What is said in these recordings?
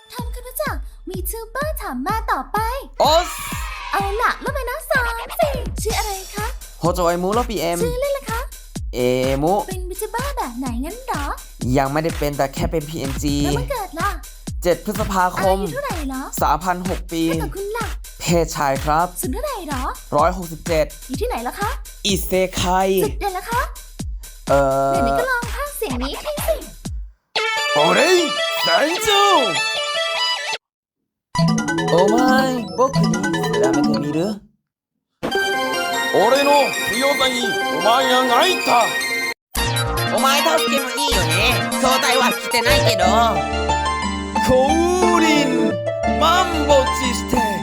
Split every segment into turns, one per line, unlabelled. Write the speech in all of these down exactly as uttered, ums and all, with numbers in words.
ทำคุณรู้จักวีทูเบอร์ถามมาต่อไป
โอส
เอาล่ะแล้วไปนะสามสี่ชื่ออะไรคะ
โฮโจไอมูโรปีเอ็ม
ชื่อเล่นล่ะคะ
เอมุ
เป็นวีทูเบอร์แบบไหนงั้นเหรอ
ยังไม่ได้เป็นแต่แค่เป็น พี เอ็น จี
แล้ววันเกิดล่ะ
เจ็ดพฤษภาค
อาม ยุเท่าไหร่เหรอ
สามพันหกปี
แล้วกับคุณล่ะ
เพศชายครับ
สุดเท่าไหร่เหรอ
หนึ่งร้อยหกสิบเจ็ด
อยู่ที่ไหนล่ะคะ
อิเซไค
สุดเด่นล่ะคะ
เอ่อ
เดี๋ยวนี้ก็ลองพากย์เสียงนี้ให้สิ
โอเรย大丈夫お前僕に比べてみる
俺の強さにお前が泣いた
お前助けもいいよね兄弟は来てないけど
降臨マンボチして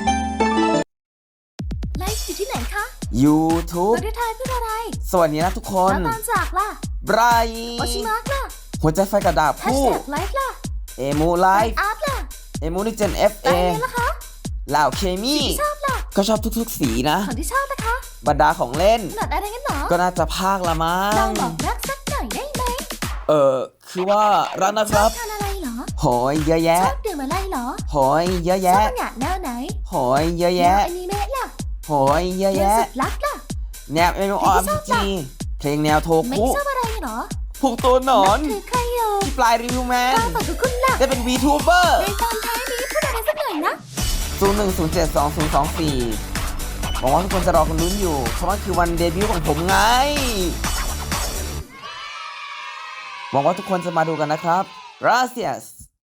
ไลฟ์อยู่ที่ไหนคะ
YouTube
ประเทศไทยพูดอะไร
สวัสดีนะทุกคน
แล้วตอนจากล่ะ
ไบร
โอชิมาร์กล่ะ
หัวใจไฟกระดาบ
แฮช
คู่
แท็กไลฟ์ล่ะ
เอมูไลฟ์
อาร์ตล่ะ
เอมูนิเจน เอฟ
ไล
เอ
ฟ์เลยล่ะคะ
เหล่าเคมี
ที่ชอบล่ะ
ก็ชอบทุกๆสีนะ
ของที่ชอบนะคะ
บรรดาของเล่น
ขนาดอะไรกันเหรอ
ก็น่าจะภาคละมั้
ลอง งบอกรักสักหน่อยได้ไหม
เออคือว่ารักนะค
ชอ
รั
บบ ทานอะไรเหรอ
โหยเยอะ
ช
แยะ
อบดื่มอะไรเหรอ
โหยเยอะ
ชอ
แยะ
บงานแนวไหน
โหยเยอะ
แนว
แยะ
อนิเมะล่ะ
โหยเยอะ
เกม
แยะ
สุดลักล่ะ
แนวเอ็มอาร์พีจีเพลงแนวโท
ไม่
คุ
ชอบอะไรเหรอ
พวกตัวหนอน
คือใครอยู่
ที่ปลายรีวิวแมน
ตามฝันของคุณล่ะ
ได้เป็น VTuber
ในตอนท้ายนี้พูดอะไรสักหน่อยนะ
ศูนย์หนึ่งศูนย์เจ็ดสองศูนย์สองสี่หวังว่าทุกคนจะรอกันลุ้นอยู่ เพราะมันคือวันเดบิวต์ของผมไง หวังว่าทุกคนจะมาดูกันนะครับ Gracias